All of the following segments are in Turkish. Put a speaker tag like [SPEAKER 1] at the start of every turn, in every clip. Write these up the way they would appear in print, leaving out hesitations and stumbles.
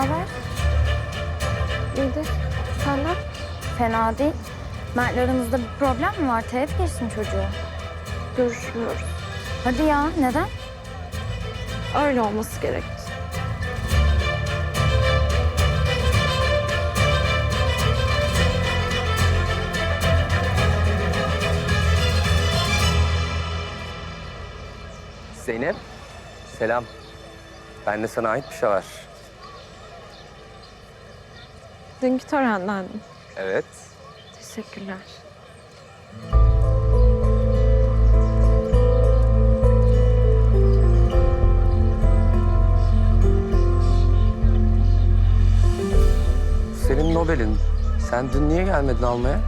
[SPEAKER 1] haber?
[SPEAKER 2] İyidir. Senden?
[SPEAKER 1] Fena değil. Mert'le aranızda bir problem mi var? Teğet geçtin çocuğu.
[SPEAKER 2] Görüşmüyoruz.
[SPEAKER 1] Hadi ya, neden?
[SPEAKER 2] Öyle olması gerekti.
[SPEAKER 3] Zeynep, selam. Bende sana ait bir şey var.
[SPEAKER 2] Dünkü törenden mi?
[SPEAKER 3] Evet.
[SPEAKER 2] Teşekkürler.
[SPEAKER 3] Senin Nobel'in. Sen dün niye gelmedin almaya?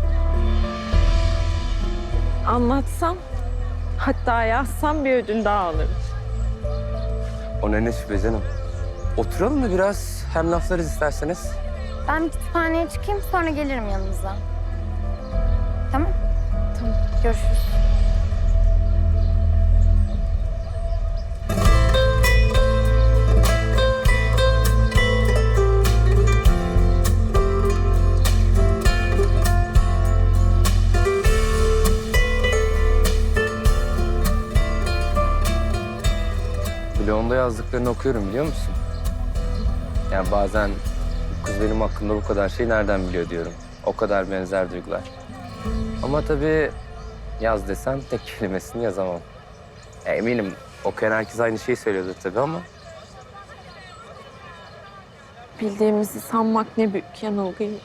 [SPEAKER 2] Anlatsam, hatta yazsam bir ödül daha alırım.
[SPEAKER 3] O ne şüphe canım. Oturalım mı biraz? Hem laflarız isterseniz.
[SPEAKER 1] Ben bir kütüphaneye çıkayım, sonra gelirim yanınıza. Tamam?
[SPEAKER 2] Tamam.
[SPEAKER 1] Görüşürüz.
[SPEAKER 3] Blogunda yazdıklarını okuyorum biliyor musun? Yani bazen bu kız benim hakkımda bu kadar şey nereden biliyor diyorum. O kadar benzer duygular. Ama tabii yaz desem tek kelimesini yazamam. Eminim okuyan herkes aynı şeyi söylüyordur tabii ama...
[SPEAKER 2] Bildiğimizi sanmak ne büyük yanılgıymış.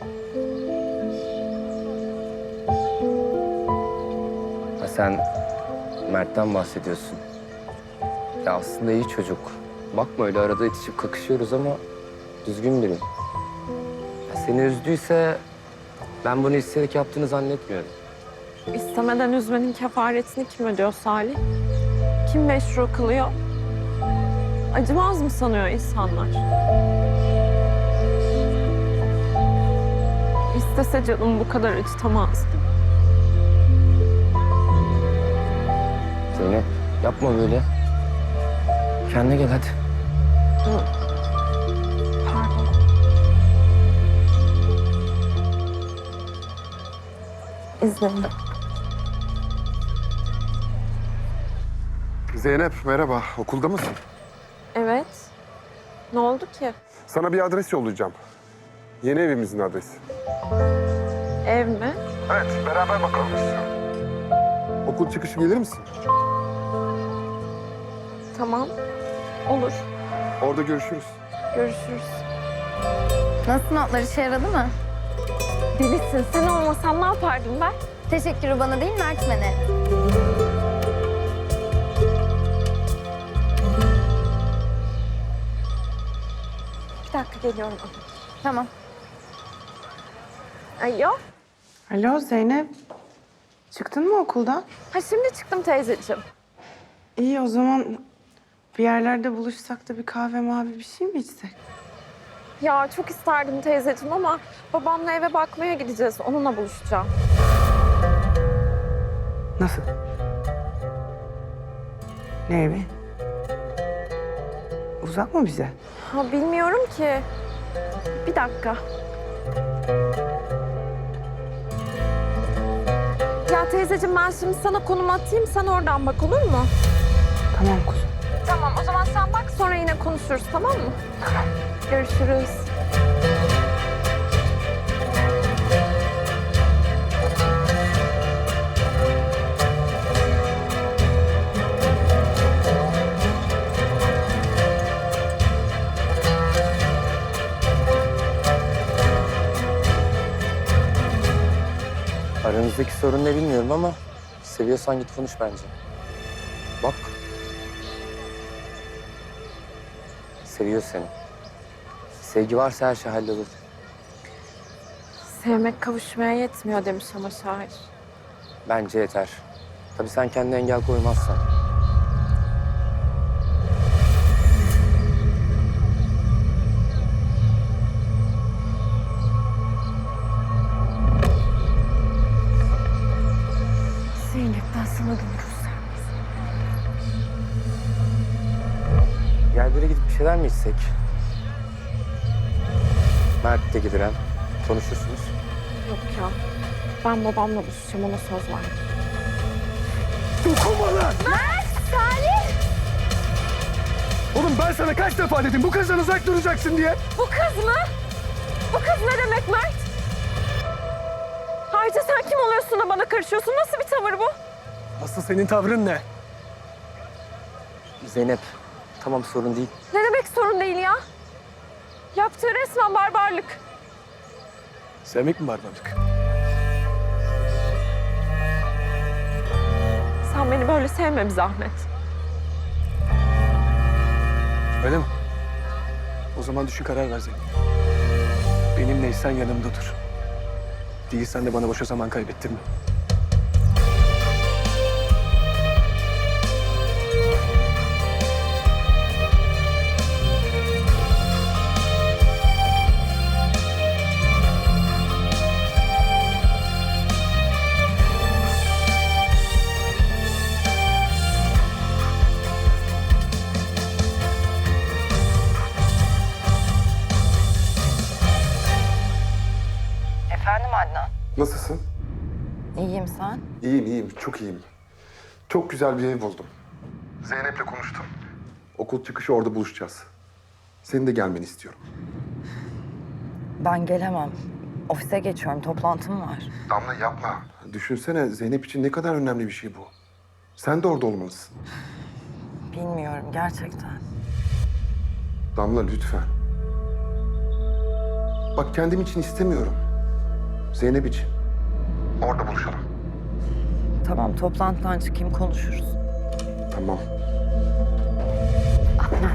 [SPEAKER 3] Ha sen Mert'ten bahsediyorsun. Ya aslında iyi çocuk. Bakma öyle arada itişip kakışıyoruz ama düzgün biri. Ya seni üzdüyse ben bunu isteyerek yaptığını zannetmiyorum.
[SPEAKER 2] İstemeden üzmenin kefaretini kim ödüyor Salih? Kim meşru kılıyor? Acımaz mı sanıyor insanlar? İstese canım bu kadar acıtamazdı.
[SPEAKER 3] Zeynep yapma böyle. Kendine gel hadi.
[SPEAKER 2] Pardon. İzninle.
[SPEAKER 4] Zeynep merhaba. Okulda mısın?
[SPEAKER 2] Evet. Ne oldu ki?
[SPEAKER 4] Sana bir adres yollayacağım. Yeni evimizin adresi.
[SPEAKER 2] Ev mi?
[SPEAKER 4] Evet, beraber bakalım istiyorum. Okul çıkışı gelir misin?
[SPEAKER 2] Tamam. Olur.
[SPEAKER 4] Orada görüşürüz.
[SPEAKER 2] Görüşürüz.
[SPEAKER 1] Nasıl, notlar işe yaradı mı?
[SPEAKER 2] Delisin. Sen olmasan ne yapardım ben?
[SPEAKER 1] Teşekkürü bana değil, Mertmen'e.
[SPEAKER 2] Bir dakika geliyorum.
[SPEAKER 1] Tamam.
[SPEAKER 2] Alo.
[SPEAKER 5] Alo Zeynep. Çıktın mı okuldan?
[SPEAKER 2] Ha şimdi çıktım teyzeciğim.
[SPEAKER 5] İyi o zaman bir yerlerde buluşsak da bir kahve mavi bir şey mi içsek?
[SPEAKER 2] Ya çok isterdim teyzeciğim ama babamla eve bakmaya gideceğiz. Onunla buluşacağım.
[SPEAKER 5] Nasıl? Ne evi? Uzak mı bize?
[SPEAKER 2] Ha bilmiyorum ki. Bir dakika. Ya teyzeciğim ben şimdi sana konum atayım. Sen oradan bak olur mu?
[SPEAKER 5] Tamam kuzum.
[SPEAKER 2] Tamam o zaman sen bak sonra yine konuşuruz tamam mı? Tamam. Görüşürüz.
[SPEAKER 3] Aranızdaki sorun ne bilmiyorum ama seviyorsan git konuş bence. Bak. Seviyor seni. Sevgi varsa her şey hallolur.
[SPEAKER 2] Sevmek kavuşmaya yetmiyor demiş ama şair.
[SPEAKER 3] Bence yeter. Tabii sen kendine engel koymazsan.
[SPEAKER 2] Zeynep ben sana gönül sermez.
[SPEAKER 3] Gel bir yere gidip bir şeyler mi içsek? Mert de gelir hem. Konuşursunuz.
[SPEAKER 2] Yok ya. Ben babamla buluşacağım, ona söz verdim.
[SPEAKER 4] Dokunma lan!
[SPEAKER 1] Salih!
[SPEAKER 4] Oğlum ben sana kaç defa dedim bu kızdan uzak duracaksın diye.
[SPEAKER 2] Bu kız mı? Bu kız ne demek Mert? Ayrıca sen kim oluyorsun da bana karışıyorsun? Nasıl bir tavır bu?
[SPEAKER 4] Asıl senin tavrın ne?
[SPEAKER 3] Zeynep, tamam sorun değil.
[SPEAKER 2] Ne demek sorun değil ya? Yaptığı resmen barbarlık.
[SPEAKER 4] Sevmek mi barbarlık?
[SPEAKER 2] Sen beni böyle sevme bir zahmet.
[SPEAKER 4] Öyle mi? O zaman düşün karar ver Zeynep. Benimleysen yanımda dur. Değilsen de bana boşa zaman kaybettirme.
[SPEAKER 6] Efendim Adnan?
[SPEAKER 7] Nasılsın?
[SPEAKER 6] İyiyim sen?
[SPEAKER 7] İyiyim, çok iyiyim. Çok güzel bir ev buldum. Zeynep'le konuştum. Okul çıkışı orada buluşacağız. Senin de gelmeni istiyorum.
[SPEAKER 6] Ben gelemem. Ofise geçiyorum, toplantım var.
[SPEAKER 7] Damla yapma. Düşünsene Zeynep için ne kadar önemli bir şey bu. Sen de orada olmalısın.
[SPEAKER 6] Bilmiyorum gerçekten.
[SPEAKER 7] Damla lütfen. Bak kendim için istemiyorum. Zeynep için. Orada buluşalım.
[SPEAKER 6] Tamam, toplantıdan çıkayım konuşuruz.
[SPEAKER 7] Tamam.
[SPEAKER 8] Adnan.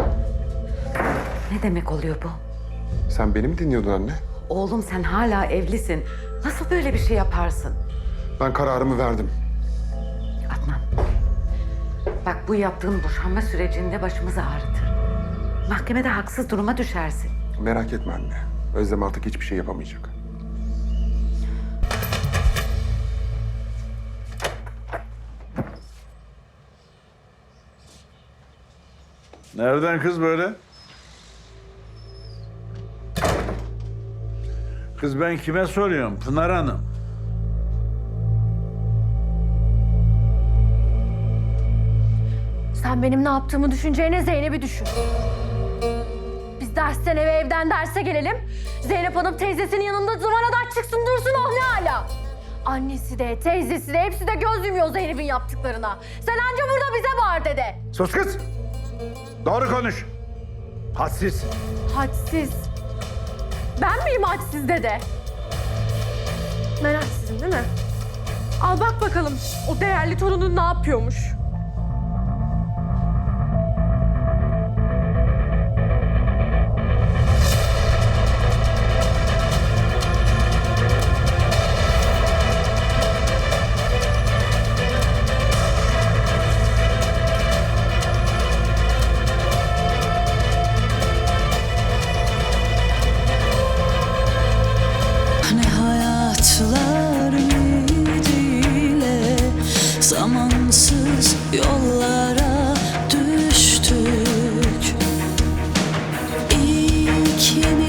[SPEAKER 8] Ne demek oluyor bu?
[SPEAKER 7] Sen beni mi dinliyordun anne?
[SPEAKER 8] Oğlum sen hala evlisin. Nasıl böyle bir şey yaparsın?
[SPEAKER 7] Ben kararımı verdim.
[SPEAKER 8] Adnan. Bak bu yaptığın boşanma sürecinde başımızı ağrıtır. Mahkemede haksız duruma düşersin.
[SPEAKER 7] Merak etme anne. Özlem artık hiçbir şey yapamayacak.
[SPEAKER 9] Nereden kız böyle? Kız ben kime soruyorum? Pınar Hanım.
[SPEAKER 1] Sen benim ne yaptığımı düşüneceğine Zeynep'i düşün. Biz dersten eve, evden derse gelelim. Zeynep Hanım teyzesinin yanında zıvanadan çıksın dursun, oh ne hala. Annesi de, teyzesi de hepsi de göz yumuyor Zeynep'in yaptıklarına. Sen anca burada bize bağır dede.
[SPEAKER 9] Sus kız! Doğru konuş. Hadsiz.
[SPEAKER 1] Hadsiz. Ben miyim hadsiz dede?
[SPEAKER 2] Ben haksızım değil mi? Al bak bakalım o değerli torunun ne yapıyormuş.
[SPEAKER 10] Ne hayatlar ümidiyle zamansız yollara düştük. İkimiz